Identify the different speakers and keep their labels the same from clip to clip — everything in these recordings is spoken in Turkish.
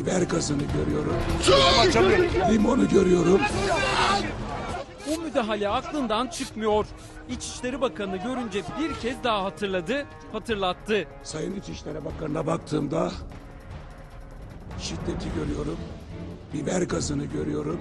Speaker 1: biber gazını görüyorum. Limonu görüyorum.
Speaker 2: O müdahale aklından çıkmıyor. İçişleri Bakanı görünce bir kez daha hatırlattı.
Speaker 1: Sayın İçişleri Bakanı'na baktığımda şiddeti görüyorum. Biber gazını görüyorum.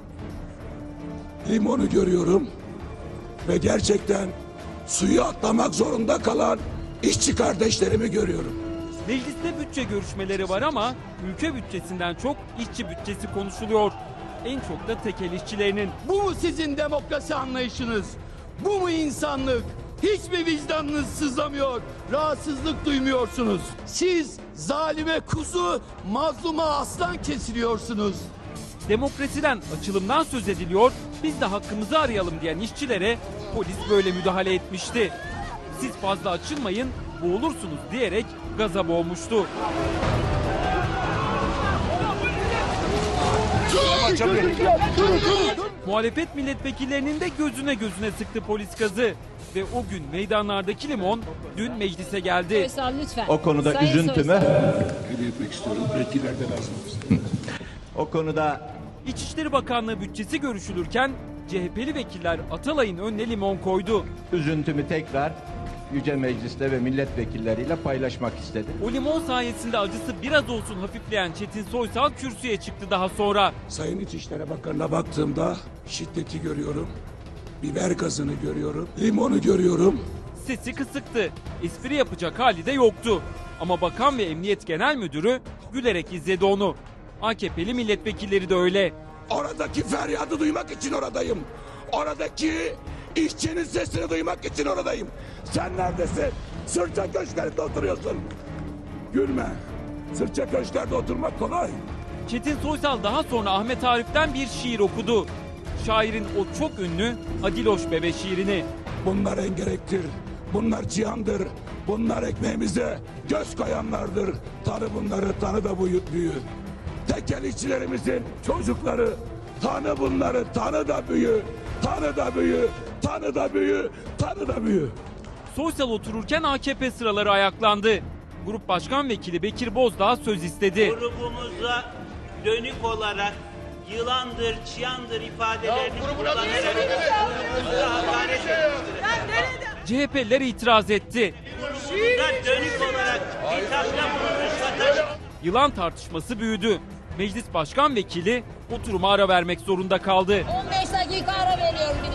Speaker 1: Limonu görüyorum. Ve gerçekten suyu atlamak zorunda kalan işçi kardeşlerimi görüyorum.
Speaker 2: Mecliste bütçe görüşmeleri var ama ülke bütçesinden çok işçi bütçesi konuşuluyor. En çok da tekel işçilerinin.
Speaker 3: Bu mu sizin demokrasi anlayışınız? Bu mu insanlık? Hiç mi vicdanınız sızlamıyor? Rahatsızlık duymuyorsunuz? Siz zalime kuzu, mazluma aslan kesiliyorsunuz.
Speaker 2: Demokrasiden, açılımdan söz ediliyor, biz de hakkımızı arayalım diyen işçilere polis böyle müdahale etmişti. Siz fazla açılmayın, boğulursunuz diyerek gaza boğmuştu. Muhalefet milletvekillerinin de gözüne sıktı polis gazı. Ve o gün meydanlardaki limon dün meclise geldi.
Speaker 4: Soysal lütfen.
Speaker 5: O konuda
Speaker 4: Sayın
Speaker 5: üzüntümü,
Speaker 1: Hediye etmek istiyorum. Yetkililer de lazım.
Speaker 5: o konuda
Speaker 2: İçişleri Bakanlığı bütçesi görüşülürken CHP'li vekiller Atalay'ın önüne limon koydu.
Speaker 5: üzüntümü tekrar Yüce Meclis'te ve milletvekilleriyle paylaşmak istedim.
Speaker 2: O limon sayesinde acısı biraz olsun hafifleyen Çetin Soysal kürsüye çıktı daha sonra.
Speaker 1: Sayın İçişleri Bakanı'na baktığımda şiddeti görüyorum. Biber gazını görüyorum. Limonu görüyorum.
Speaker 2: Sesi kısıktı. Espri yapacak hali de yoktu. Ama bakan ve emniyet genel müdürü gülerek izledi onu. AKP'li milletvekilleri de öyle.
Speaker 1: Oradaki feryadı duymak için oradayım. Oradaki işçinin sesini duymak için oradayım. Sen neredesin? Sırça köşklerinde oturuyorsun. Gülme. Sırça köşklerde oturmak kolay.
Speaker 2: Çetin Soysal daha sonra Ahmet Arif'ten bir şiir okudu. Şairin o çok ünlü Adiloş Bebe şiirini.
Speaker 1: Bunlar engerektir. Bunlar cihandır. Bunlar ekmeğimize göz koyanlardır. Tanı bunları, tanı da büyü. Tekel işçilerimizin çocukları. Tanı bunları, tanı da büyü. Tanı da büyü. Tanı da büyü. Tanı da büyü.
Speaker 2: Soysal otururken AKP sıraları ayaklandı. Grup Başkan Vekili Bekir Bozdağ söz istedi.
Speaker 6: Grubumuza dönük olarak yılandır, çıyandır ifadelerini kullanarak grubumuza hakaret etmiştir.
Speaker 2: CHP'liler itiraz etti.
Speaker 6: Grubumuza dönük olarak hitapta bulunmuş vatandaş.
Speaker 2: Yılan tartışması büyüdü. Meclis Başkan Vekili oturuma ara vermek zorunda kaldı.
Speaker 4: 15 dakika ara veriyorum.